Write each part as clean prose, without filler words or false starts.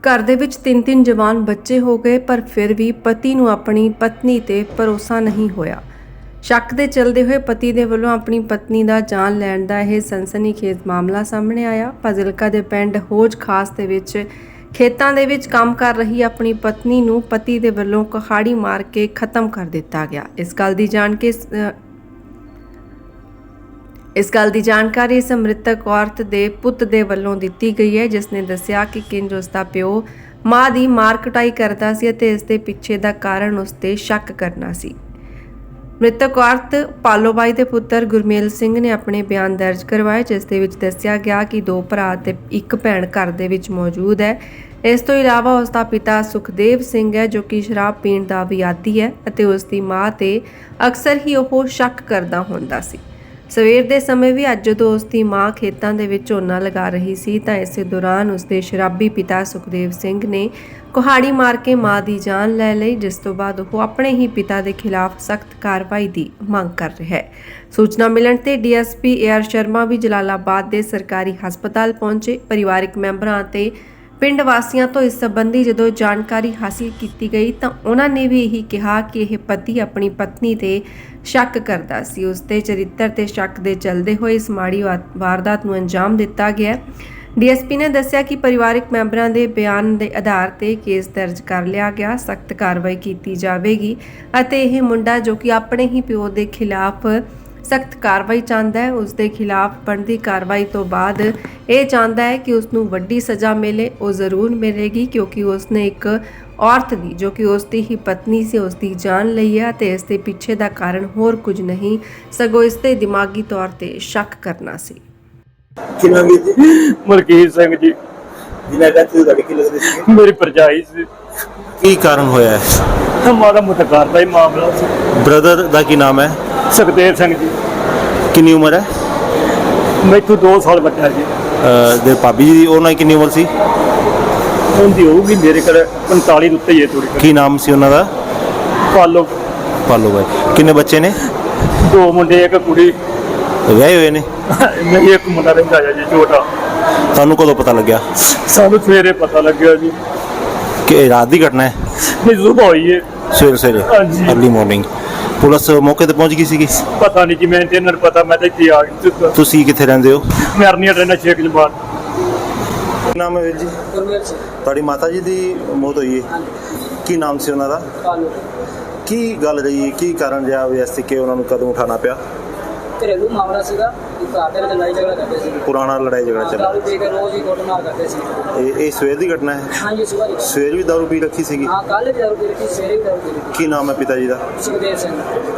घर ਦੇ ਵਿੱਚ 3-3 ਜਵਾਨ ਬੱਚੇ ਹੋ ਗਏ ਪਰ ਫਿਰ ਵੀ ਪਤੀ ਨੂੰ ਆਪਣੀ ਪਤਨੀ ਤੇ ਭਰੋਸਾ ਨਹੀਂ ਹੋਇਆ। ਸ਼ੱਕ ਦੇ ਚਲਦੇ ਹੋਏ ਪਤੀ ਦੇ ਵੱਲੋਂ ਆਪਣੀ ਪਤਨੀ ਦਾ ਜਾਨ ਲੈਣ ਦਾ ਇਹ ਸਨਸਨੀਖੇਜ਼ ਮਾਮਲਾ ਸਾਹਮਣੇ ਆਇਆ। ਫਾਜ਼ਿਲਕਾ ਦੇ ਪਿੰਡ ਹੋਜ ਖਾਸ ਦੇ ਵਿੱਚ ਖੇਤਾਂ ਦੇ ਵਿੱਚ ਕੰਮ ਕਰ ਰਹੀ ਆਪਣੀ ਪਤਨੀ ਨੂੰ ਪਤੀ ਦੇ ਵੱਲੋਂ ਕੁਹਾੜੀ ਮਾਰ ਕੇ ਖਤਮ ਕਰ ਦਿੱਤਾ ਗਿਆ। ਇਸ ਗੱਲ ਦੀ ਜਾਣਕਾਰੀ ਇਸ ਮ੍ਰਿਤਕ ਔਰਤ ਦੇ ਪੁੱਤ ਦੇ ਵੱਲੋਂ ਦਿੱਤੀ ਗਈ ਹੈ, ਜਿਸ ਨੇ ਦੱਸਿਆ ਕਿ ਕਿੰਜ ਉਸ ਦਾ ਪਿਓ ਮਾਂ ਦੀ ਮਾਰ ਕੁਟਾਈ ਕਰਦਾ ਸੀ ਅਤੇ ਇਸ ਦੇ ਪਿੱਛੇ ਦਾ ਕਾਰਨ ਉਸ ਤੇ ਸ਼ੱਕ ਕਰਨਾ ਸੀ। ਮ੍ਰਿਤਕ ਔਰਤ ਪਾਲੋਬਾਈ ਦੇ ਪੁੱਤਰ ਗੁਰਮੇਲ ਸਿੰਘ ਨੇ ਆਪਣੇ ਬਿਆਨ ਦਰਜ ਕਰਵਾਏ, ਜਿਸ ਦੇ ਵਿੱਚ ਦੱਸਿਆ ਗਿਆ ਕਿ 2 ਭਰਾ ਤੇ 1 ਭੈਣ ਘਰ ਦੇ ਵਿੱਚ ਮੌਜੂਦ ਹੈ। ਇਸ ਤੋਂ ਇਲਾਵਾ ਉਸ ਦਾ ਪਿਤਾ ਸੁਖਦੇਵ ਸਿੰਘ ਹੈ, ਜੋ ਕਿ ਸ਼ਰਾਬ ਪੀਣ ਦਾ ਵੀ ਆਦੀ ਹੈ ਅਤੇ ਉਸ ਦੀ ਮਾਂ ਤੇ ਅਕਸਰ ਹੀ ਉਹ ਸ਼ੱਕ ਕਰਦਾ ਹੁੰਦਾ ਸੀ। ਸਵੇਰ ਦੇ ਸਮੇਂ ਵੀ ਅੱਜ ਜਦੋਂ ਉਸ ਦੀ ਮਾਂ ਖੇਤਾਂ ਦੇ ਵਿੱਚ ਝੋਨਾ ਲਗਾ ਰਹੀ ਸੀ ਤਾਂ ਇਸੇ ਦੌਰਾਨ ਉਸ ਦੇ ਸ਼ਰਾਬੀ ਪਿਤਾ ਸੁਖਦੇਵ ਸਿੰਘ ਨੇ ਕੁਹਾੜੀ ਮਾਰ ਕੇ ਮਾਂ ਦੀ ਜਾਨ ਲੈ ਲਈ, ਜਿਸ ਤੋਂ ਬਾਅਦ ਉਹ ਆਪਣੇ ਹੀ ਪਿਤਾ ਦੇ ਖਿਲਾਫ ਸਖਤ ਕਾਰਵਾਈ ਦੀ ਮੰਗ ਕਰ ਰਿਹਾ ਹੈ। ਸੂਚਨਾ ਮਿਲਣ ਤੇ ਡੀਐਸਪੀ ਏਆਰ ਸ਼ਰਮਾ ਵੀ ਜਲਾਲਾਬਾਦ ਦੇ ਸਰਕਾਰੀ ਹਸਪਤਾਲ ਪਹੁੰਚੇ। ਪਰਿਵਾਰਕ ਮੈਂਬਰਾਂ ਅਤੇ ਪਿੰਡ ਵਾਸੀਆਂ ਤੋਂ ਇਸ ਸੰਬੰਧੀ ਜਦੋਂ ਜਾਣਕਾਰੀ ਹਾਸਲ ਕੀਤੀ ਗਈ ਤਾਂ ਉਹਨਾਂ ਨੇ ਵੀ ਇਹੀ ਕਿਹਾ ਕਿ ਇਹ ਪਤੀ ਆਪਣੀ ਪਤਨੀ ਤੇ ਸ਼ੱਕ ਕਰਦਾ ਸੀ। ਉਸ ਦੇ ਚਰਿੱਤਰ ਤੇ ਸ਼ੱਕ ਦੇ ਚਲਦੇ ਹੋਏ ਇਸ ਮਾੜੀ ਵਾਰਦਾਤ ਨੂੰ ਅੰਜਾਮ ਦਿੱਤਾ ਗਿਆ। ਡੀਐਸਪੀ ਨੇ ਦੱਸਿਆ ਕਿ ਪਰਿਵਾਰਕ ਮੈਂਬਰਾਂ ਦੇ ਬਿਆਨ ਦੇ ਆਧਾਰ ਤੇ ਕੇਸ ਦਰਜ ਕਰ ਲਿਆ ਗਿਆ, ਸਖਤ ਕਾਰਵਾਈ ਕੀਤੀ ਜਾਵੇਗੀ ਅਤੇ ਇਹ ਮੁੰਡਾ ਜੋ ਕਿ ਆਪਣੇ ਹੀ ਪਿਓ ਦੇ ਖਿਲਾਫ ਸਖਤ ਕਾਰਵਾਈ ਚਾਹੁੰਦਾ ਹੈ, ਉਸ ਦੇ ਖਿਲਾਫ ਬਣਦੀ ਕਾਰਵਾਈ ਤੋਂ ਬਾਅਦ ਇਹ ਚਾਹੁੰਦਾ ਹੈ ਕਿ ਉਸ ਨੂੰ ਵੱਡੀ ਸਜ਼ਾ ਮਿਲੇ। ਉਹ ਜ਼ਰੂਰ ਮਿਲੇਗੀ, ਕਿਉਂਕਿ ਉਸ ਨੇ ਇੱਕ ਔਰਤ ਦੀ ਜੋ ਕਿ ਉਸ ਦੀ ਹੀ ਪਤਨੀ ਸੀ ਉਸ ਦੀ ਜਾਨ ਲਈ ਹੈ ਤੇ ਇਸ ਦੇ ਪਿੱਛੇ ਦਾ ਕਾਰਨ ਹੋਰ ਕੁਝ ਨਹੀਂ ਸਗੋਂ ਇਸ ਤੇ ਦਿਮਾਗੀ ਤੌਰ ਤੇ ਸ਼ੱਕ ਕਰਨਾ ਸੀ। ਕਿੰਨਾ ਵੀ ਮਲਕੀਤ ਸਿੰਘ ਜੀ ਜਿਨ੍ਹਾਂ ਦਾ ਤੁਹਾਡੇ ਕੀ ਲੱਗਦੇ ਸੀ? ਮੇਰੀ ਭਰਜਾਈ ਸੀ। ਕੀ ਕਾਰਨ ਹੋਇਆ ਹੈ? ਮਾੜਾ ਮੋਟਾ ਘਰ ਦਾ ਹੀ ਮਾਮਲਾ ਸੀ। ਬ੍ਰਦਰ ਦਾ ਕੀ ਨਾਮ ਹੈ? ਸੁਖਦੇਵ ਸਿੰਘ ਜੀ। ਕਿੰਨੀ ਉਮਰ ਹੈ? ਮੈਥੋਂ 2 ਸਾਲ ਵੱਡਾ ਜੀ। ਦੇ ਭਾਬੀ ਜੀ ਦੀ ਉਹਨਾਂ ਦੀ ਕਿੰਨੀ ਉਮਰ ਸੀ? ਉਹਦੀ ਹੋਊਗੀ ਮੇਰੇ ਕੋਲ 45 ਦੇ ਉੱਤੇ ਹੀ ਹੈ ਥੋੜੀ। ਕੀ ਨਾਮ ਸੀ ਉਹਨਾਂ ਦਾ? ਪਾਲੋ ਬਾਈ। ਕਿੰਨੇ ਬੱਚੇ ਨੇ? 2 ਮੁੰਡੇ 1 ਕੁੜੀ। ਵਿਆਹੇ ਹੋਏ ਨੇ? ਨਹੀਂ, 1 ਮੁੰਡਾ ਰਹਿੰਦਾ ਹੈ ਜੀ ਛੋਟਾ। ਤੁਹਾਨੂੰ ਕਦੋਂ ਪਤਾ ਲੱਗਿਆ? ਸਾਨੂੰ ਸਵੇਰੇ ਪਤਾ ਲੱਗਿਆ ਜੀ। ਕਿ ਰਾਤ ਦੀ ਘਟਨਾ ਹੈ? ਨਹੀਂ, ਸੁਬਾਹ ਹੋਈ ਹੈ। ਸਵੇਰੇ ਹਾਂਜੀ। Early morning. ਪੁਲਿਸ ਮੌਕੇ ਤੇ ਪਹੁੰਚ ਗਈ ਸੀਗੀ? ਪਤਾ ਨਹੀਂ ਜੀ, ਮੈਂ ਤੇ ਇਹਨਾਂ ਨੂੰ ਪਤਾ, ਮੈਂ ਤਾਂ ਇੱਥੇ ਆ ਗਿਆ। ਤੁਸੀਂ ਕਿੱਥੇ ਰਹਿੰਦੇ ਹੋ? ਮੈਂ ਅਰਨੀਆ ਰਹਿਣਾ 6 ਕਿਲੋਮੀਟਰ। ਕੀ ਨਾਮ ਹੈ ਵੀਰ ਜੀ? ਗੁਰਮੇਲ ਸਿੰਘ। ਤੁਹਾਡੀ ਮਾਤਾ ਜੀ ਦੀ ਮੌਤ ਹੋਈ ਹੈ, ਕੀ ਨਾਮ ਸੀ ਉਹਨਾਂ ਦਾ? ਪਾਲੋ। ਕੀ ਗੱਲ ਰਹੀ, ਕੀ ਕਾਰਨ ਰਿਹਾ ਵੀ ਇਸ ਕਿ ਉਹਨਾਂ ਨੂੰ ਕਦਮ ਉਠਾਉਣਾ ਪਿਆ? ਘਰੇਲੂ ਮਾਮਲਾ ਸੀਗਾ, ਘਰ ਦੇ ਵਿੱਚ ਲੜਾਈ ਝਗੜਾ ਕਰਦੇ ਸੀ। ਪੁਰਾਣਾ ਲੜਾਈ ਝਗੜਾ ਚੱਲ ਦਾਰੂ ਪੀ ਕੇ ਰੋਜ਼ ਹੀ ਕੁੱਟਮਾਰ ਕਰਦੇ ਸੀ। ਇਹ ਸਵੇਰ ਦੀ ਘਟਨਾ ਹੈ? ਹਾਂਜੀ, ਸੁਬਾਹ ਦੀ। ਸਵੇਰ ਵੀ ਦਾਰੂ ਪੀ ਰੱਖੀ ਸੀਗੀ? ਹਾਂ, ਕੱਲ੍ਹ ਵੀ ਦਾਰੂ ਪੀ ਰੱਖੀ, ਸਵੇਰੇ ਵੀ ਦਾਰੂ ਪੀ ਰੱਖੀ। ਕੀ ਨਾਮ ਹੈ ਪਿਤਾ ਜੀ ਦਾ? ਸੁਖਦੇਵ ਸਿੰਘ।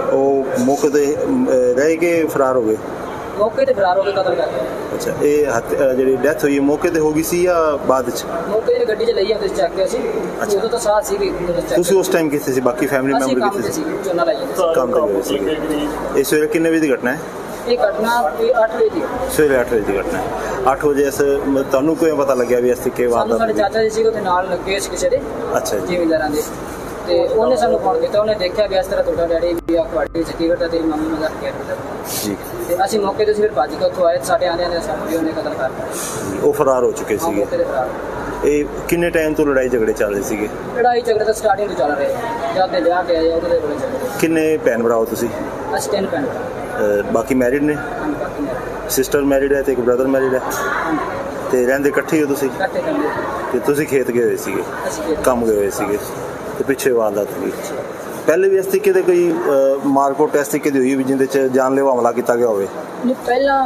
ਉਹ ਮੌਕੇ ਤੇ ਰਹਿ ਕੇ ਫਰਾਰ ਹੋ ਗਏ? ਮੌਕੇ ਤੇ ਫਰਾਰ ਹੋ ਕੇ ਕਤਲ ਕਰ ਗਿਆ। ਅੱਛਾ, ਇਹ ਜਿਹੜੀ ਡੈਥ ਹੋਈ ਹੈ ਮੌਕੇ ਤੇ ਹੋ ਗਈ ਸੀ ਜਾਂ ਬਾਅਦ ਚ? ਮੌਕੇ ਤੇ ਗੱਡੀ 'ਚ ਲਈ ਆਉਂਦੇ ਸੀ ਚੱਕ ਕੇ ਅਸੀਂ। ਉਦੋਂ ਤਾਂ ਸਾਥ ਸੀਗੇ। ਤੁਸੀਂ ਉਸ ਟਾਈਮ ਕਿੱਥੇ ਸੀ? ਬਾਕੀ ਫੈਮਿਲੀ ਅਸੀਂ ਮੈਂਬਰ ਕੰਮ ਕਿੱਥੇ ਤੇ ਸੀ? ਸੀ, ਝੋਨਾ ਲਾਈ ਜਾਂਦੇ ਕੰਮ ਤੇ ਗਏ ਸੀ। ਇਹ ਸਵੇਰੇ ਕਿੰਨੇ ਵਜੇ ਦੀ ਘਟਨਾ ਹੈ? ਸੀ। ਇਹ ਘਟਨਾ ਕੋਈ 8 ਵਜੇ ਦੀ। ਸਵੇਰੇ 8 ਵਜੇ ਦੀ ਘਟਨਾ ਹੈ। 8 ਵਜੇ ਤੁਹਾਨੂੰ ਕਿਵੇਂ ਪਤਾ ਲੱਗਿਆ ਵੀ ਇਸ ਤਰੀਕੇ ਸਾਨੂੰ ਸਾਡੇ ਵਾਰਦਾਤ? ਚਾਚਾ ਜੀ ਸੀ, ਉਹਦੇ ਨਾਲ ਲੱਗੇ ਸੀ ਕਿਸੇ ਦੇ ਅੱਛਾ ਜੀ। ਜ਼ਿਮੀਂਦਾਰਾਂ ਦੇ, ਤੇ ਉਹਨੇ ਸਾਨੂੰ ਫੋਨ ਕੀਤਾ। ਉਹਨੇ ਦੇਖਿਆ ਵੀ ਇਸ ਤਰ੍ਹਾਂ ਤੁਹਾਡਾ ਡੈਡੀ ਵੀ ਆ ਕੁਆੜੀ ਸਟੀਵਰ ਤੇ ਤੇਰੀ ਮੰਮੀ ਮਜ਼ਾਕ ਕਰ ਰਹੀ ਜੀ। ਤੇ ਅਸੀਂ ਮੌਕੇ ਤੇ ਫਿਰ ਭੱਜ ਕੇ ਉੱਥੋਂ ਆਏ। ਸਾਡੇ ਆਂਦਿਆਂ ਨੇ ਸਾਨੂੰ ਵੀ ਉਹਨੇ ਕਤਲ ਕਰਤਾ। ਉਹ ਫਰਾਰ ਹੋ ਚੁੱਕੇ ਹਾਂ, ਸੀਗੇ। ਮੌਕੇ ਤੇ ਫਰਾਰ। ਇਹ ਕਿੰਨੇ ਟਾਈਮ ਤੋਂ ਲੜਾਈ ਝਗੜੇ ਚੱਲ ਰਹੇ ਸੀਗੇ? ਲੜਾਈ ਝਗੜੇ ਤਾਂ ਸਟਾਰਟਿੰਗ ਤੋਂ ਚੱਲ ਰਹੇ ਜਦ ਦੇ ਵਿਆਹ ਕੇ ਆਏ ਉਹਦੇ ਦੇ ਕੋਲੇ ਚੱਲ ਰਹੇ। ਕਿੰਨੇ ਭੈਣ ਭਰਾ ਹੋ ਤੁਸੀਂ? ਅਸੀਂ 3 ਭੈਣ ਭਰਾ। ਬਾਕੀ ਮੈਰਿਡ ਨੇ? ਹਾਂਜੀ, ਬਾਕੀ ਮੇਰੇ। ਸਿਸਟਰ ਮੈਰਿਡ ਹੈ ਤੇ ਇੱਕ ਬ੍ਰਦਰ ਮੈਰਿਡ ਹੈ ਹਾਂਜੀ, ਤੇ ਰਹਿੰਦੇ ਇਕੱਠੇ ਹੋ ਤੁਸੀਂ? ਇਕੱਠੇ ਕਰਦੇ। ਤੇ ਤੁਸੀਂ ਖੇਤ ਗਏ ਹੋਏ ਸੀਗੇ, ਅਸੀਂ ਖੇਤ। ਕੰਮ ਗਏ ਹੋਏ ਸੀਗੇ ਤੇ ਪਿੱਛੇ ਵਾਰਦਾਤ ਹੋਈ। ਪਹਿਲੇ ਵੀ ਇਸ ਤਰੀਕੇ ਦੇ ਕੋਈ ਮਾਰਕੋਟ ਇਸ ਤਰੀਕੇ ਦੀ ਹੋਈ ਵੀ ਜਿਹਦੇ ਚ ਜਾਨਲੇਵਾ ਹਮਲਾ ਕੀਤਾ ਗਿਆ ਹੋਵੇ? ਨਹੀਂ,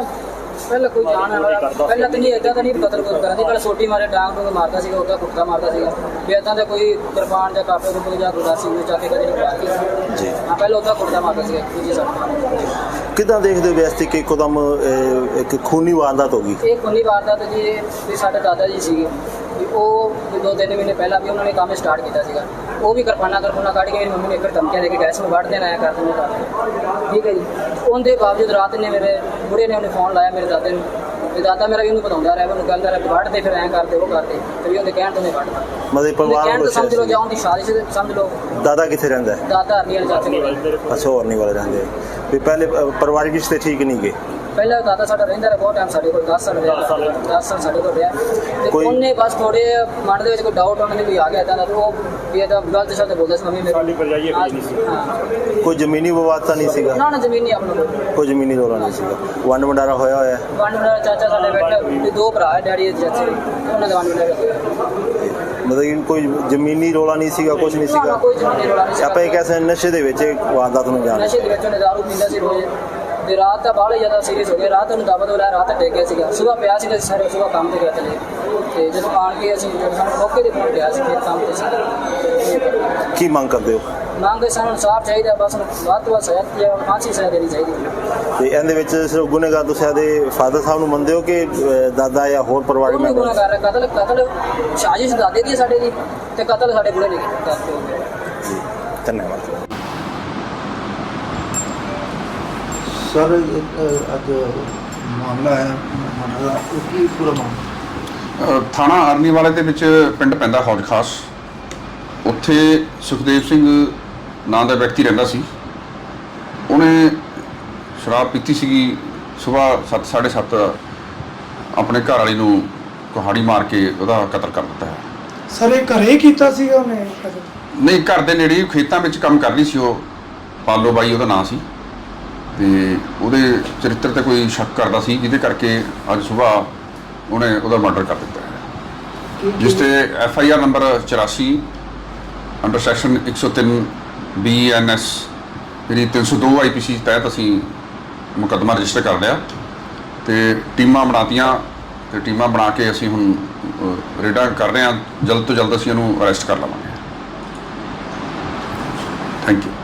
ਪਹਿਲਾਂ ਕੋਈ ਜਾਣ ਵਾਲਾ ਪਹਿਲਾਂ ਤਾਂ ਨਹੀਂ ਇੱਦਾਂ ਤਾਂ ਨਹੀਂ ਕਤਲ ਕਰਨ ਦੀ। ਪਹਿਲਾਂ ਸੋਟੀ ਮਾਰੇ, ਡਾਂਗ ਡੂੰਗ ਮਾਰਦਾ ਸੀਗਾ, ਉਹਦਾ ਕੁੱਤਾ ਮਾਰਦਾ ਸੀਗਾ ਵੀ ਇੱਦਾਂ ਦਾ ਕੋਈ ਕਿਰਪਾਨ ਜਾਂ ਕਾਪੇ ਕੁੱਪੇ ਜਾਂ ਗੁਰਦਾਸੀ ਨੂੰ ਚੱਕ ਕੇ ਕਦੇ ਨਹੀਂ ਮਾਰਦੀ ਜੀ। ਹਾਂ, ਪਹਿਲਾਂ ਉਹਦਾ ਕੁੱਤਾ ਮਾਰਦਾ ਸੀਗਾ ਦੂਜੀ ਸਾਈਡ। ਕਿੱਦਾਂ ਦੇਖਦੇ ਹੋ ਵੀ ਇਸ ਤਰੀਕੇ ਇੱਕਦਮ ਇੱਕ ਖੂਨੀ ਵਾਰਦਾਤ ਹੋ ਗਈ? ਇਹ ਖੁੱਲੀ ਵਾਰਦਾਤ ਜੀ ਵੀ ਸਾਡੇ ਦਾਦਾ ਜੀ ਸੀਗੇ ਵੀ ਉਹ 2-3 ਮਹੀਨੇ ਪਹਿਲਾਂ ਵੀ ਉਹਨਾਂ ਨੇ ਕੰਮ ਸਟਾਰਟ ਕੀਤਾ ਸੀਗਾ। ਉਹ ਵੀ ਕਰਪਾਨਾ ਕੱਢ ਕੇ ਮੇਰੀ ਮੰਮੀ ਨੇ ਇੱਕ ਧਮਕੀਆਂ ਦੇ ਕੇ ਗੈਸ ਨੂੰ ਵੱਢ ਦੇਣਾ ਆਇਆ ਕਰ ਦਿੰਦੇ। ਠੀਕ ਹੈ ਜੀ। ਉਹਦੇ ਬਾਵਜੂਦ ਰਾਤ ਨੇ ਮੇਰੇ ਬੁੜੇ ਨੇ ਉਹਨੇ ਫੋਨ ਲਾਇਆ ਮੇਰੇ ਦਾਦੇ ਨੂੰ ਤੇ ਦਾਦਾ ਮੇਰਾ ਵੀ ਉਹਨੂੰ ਬਤਾਉਂਦਾ ਰਿਹਾ, ਉਹਨੂੰ ਕਹਿੰਦਾ ਰਿਹਾ ਵੱਢ ਦੇ, ਫਿਰ ਐਂ ਕਰਦੇ ਉਹ ਕਰਦੇ, ਤੇ ਵੀ ਉਹਦੇ ਕਹਿਣ ਤੋਂ ਨਹੀਂ ਵੱਢਦਾ। ਮਤਲਬ ਪਰਿਵਾਰ ਕਹਿਣ ਤੋਂ ਸਮਝ ਲਓ ਜਾਂ ਉਹਦੀ ਸਾਜ਼ਿਸ਼ ਸਮਝ ਲਓ। ਦਾਦਾ ਕਿੱਥੇ ਰਹਿੰਦਾ ਹੈ? ਦਾਦਾ ਅਰਨੀਆ ਚਾਚੇ ਕੋਲ। ਅੱਛਾ, ਹੋਰ ਨਹੀਂ ਵਾਲੇ ਰਹਿੰਦੇ ਵੀ ਪਹਿਲੇ ਪਰਿਵਾਰਿਕ ਰਿਸ਼ਤੇ ਠੀਕ ਨਹੀਂ ਗਏ? ਪਹਿਲਾਂ ਦਾਦਾ ਸਾਡਾ ਰਹਿੰਦਾ ਰਿਹਾ ਬਹੁਤ ਟਾਈਮ ਸਾਡੇ ਕੋਲ 10 ਸਾਲ ਰਿਹਾ 10 ਸਾਲ ਸਾਡੇ ਕੋਲ ਰਿਹਾ ਤੇ ਕੋਈ- ਉਹਨੇ ਬਸ ਥੋੜੇ ਮਨ ਦੇ ਵਿੱਚ ਕੋਈ ਡਾਊਟ ਉਹਨਾਂ ਦੇ ਵੀ ਆ ਗਿਆ ਤਾਂ ਉਹ ਵੀ ਇਹਦਾ ਗਲਤ ਸ਼ਬਦ ਬੋਲਦਾ ਸੀ ਮੰਮੀ ਮੇਰੇ ਸਾਡੀ ਭਰਜਾਈ ਹੈਗੀ ਨਹੀਂ ਸੀ। ਹਾਂ ਕੋਈ ਜ਼ਮੀਨੀ ਵਿਵਾਦ ਤਾਂ ਨਹੀਂ ਸੀਗਾ? ਨਾ ਜ਼ਮੀਨ ਨਹੀਂ ਆਪਣਾ ਕੋਲ ਕੋਈ ਜ਼ਮੀਨੀ ਰੌਲਾ ਨਹੀਂ ਸੀਗਾ। ਵੰਡ ਵੰਡਾਰਾ ਹੋਇਆ ਹੋਇਆ ਹੈ? ਵੰਡ ਮੇਰਾ ਚਾਚਾ ਸਾਡੇ ਬੈਠੇ ਤੇ 2 ਭਰਾ ਹੈ ਡੈਡੀ ਦੇ ਚਾਚੇ ਉਹਨਾਂ ਦਾ ਵੰਡ ਮੇਰਾ ਮਤਲਬ ਕਿ ਕੋਈ ਜ਼ਮੀਨੀ ਰੌਲਾ ਨਹੀਂ ਸੀਗਾ, ਕੁਝ ਨਹੀਂ ਸੀਗਾ? ਕੋਈ ਜ਼ਮੀਨ ਰੋਲਾ ਨਹੀਂ ਆਪਾਂ ਇਹ ਕਹਿ ਸਕਦੇ ਨਸ਼ੇ ਦੇ ਵਿੱਚ ਇਹ ਵਾਰਦਾਤ ਨੂੰ ਜਾਣ ਨਸ਼ੇ ਦੇ ਵਿੱਚ ਉਹਨੇ ਦਾਰੂ ਪੀਂਦਾ ਸੀ ਰੋਜ਼ ਤੇ ਰਾਤ ਦਾ ਬਾਹਲਾ ਜ਼ਿਆਦਾ ਸੀਰੀਅਸ ਹੋ ਗਿਆ ਰਾਤ ਨੂੰ ਦਬਾ ਦੋ ਰਾਤ ਟੇਕ ਗਿਆ ਸੀਗਾ ਸਵੇਰ ਪਿਆ ਸੀ ਤੇ ਸਾਰੇ ਸਵੇਰ ਕੰਮ ਤੇ ਗਿਆ ਚਲੇ ਤੇ ਜਦੋਂ ਆਣ ਕੇ ਅਸੀਂ ਜਦੋਂ ਸਾਨੂੰ ਮੌਕੇ ਤੇ ਫੋਨ ਪਿਆ ਸੀ ਫਿਰ ਕੰਮ ਤੇ ਸੀ ਕੀ ਮੰਗ ਕਰਦੇ ਹੋ? ਮੰਗੇ ਸਾਨੂੰ ਇਨਸਾਫ ਚਾਹੀਦਾ ਬਸ ਵੱਧ ਤੋਂ ਵੱਧ ਸਜ਼ਾ ਜਾਂ ਫਾਂਸੀ ਸਜ਼ਾ ਦੇਣੀ ਚਾਹੀਦੀ ਤੇ ਇਹਦੇ ਵਿੱਚ ਸਿਰਫ ਗੁਨੇਗਾਰ ਤੁਸੀਂ ਇਹਦੇ ਫਾਦਰ ਸਾਹਿਬ ਨੂੰ ਮੰਨਦੇ ਹੋ ਕਿ ਦਾਦਾ ਜਾਂ ਹੋਰ ਪਰਿਵਾਰਕ ਉਹ ਵੀ ਮੈਂਬਰ? ਗੁਨਾਹ ਕਰ ਰਿਹਾ ਕਤਲ ਸਾਜ਼ਿਸ਼ ਦਾਦੇ ਦੀ ਹੈ ਸਾਡੇ ਦੀ ਤੇ ਕਤਲ ਸਾਡੇ ਬੁੜੇ ਨੇ ਕੀਤਾ ਧੰਨਵਾਦ। ਸਰ ਅੱਜ ਮਾਮਲਾ ਹੈ ਮਰਡਰ ਦਾ ਉਹ ਕੀ ਪੂਰਾ ਮਾਮਲਾ? ਥਾਣਾ ਅਰਨੀ ਵਾਲੇ ਦੇ ਵਿੱਚ ਪਿੰਡ ਪੈਂਦਾ ਹੌਜ ਖਾਸ। ਉੱਥੇ ਸੁਖਦੇਵ ਸਿੰਘ ਨਾਂ ਦਾ ਵਿਅਕਤੀ ਰਹਿੰਦਾ ਸੀ। ਉਹਨੇ ਸ਼ਰਾਬ ਪੀਤੀ ਸੀਗੀ। ਸਵੇਰ 7:30 ਆਪਣੇ ਘਰ ਵਾਲੀ ਨੂੰ ਕੁਹਾੜੀ ਮਾਰ ਕੇ ਉਹਦਾ ਕਤਲ ਕਰ ਦਿੱਤਾ ਹੈ। ਸਰ ਇਹ ਘਰੇ ਹੀ ਕੀਤਾ ਸੀਗਾ ਉਹਨੇ ਨਹੀਂ, ਘਰ ਦੇ ਨੇੜੇ ਹੀ ਖੇਤਾਂ ਵਿੱਚ ਕੰਮ ਕਰਦੀ ਸੀ ਉਹ। ਪਾਲੋ ਬਾਈ ਉਹਦਾ ਨਾਂ ਸੀ ਤੇ ਉਹਦੇ ਚਰਿੱਤਰ ਤੇ ਕੋਈ ਸ਼ੱਕ ਕਰਦਾ ਸੀ, ਜਿਹਦੇ ਕਰਕੇ ਅੱਜ ਸਵੇਰ ਉਹਨੇ ਉਹਦਾ ਮਰਡਰ ਕਰ ਦਿੱਤਾ ਹੈ, ਜਿਸ ਤੇ FIR number 84 under section 103 BNS ਜਿਹੜੀ 302 IPC ਤਹਿਤ ਅਸੀਂ ਮੁਕੱਦਮਾ ਰਜਿਸਟਰ ਕਰ ਲਿਆ ਤੇ ਟੀਮਾਂ ਬਣਾਤੀਆਂ ਤੇ ਟੀਮਾਂ ਬਣਾ ਕੇ ਅਸੀਂ ਹੁਣ ਰੇਡਾਂ ਕਰ ਰਹੇ ਹਾਂ। ਜਲਦ ਤੋਂ ਜਲਦ ਅਸੀਂ ਇਹਨੂੰ ਅਰੈਸਟ ਕਰ ਲਵਾਂਗੇ। Thank you.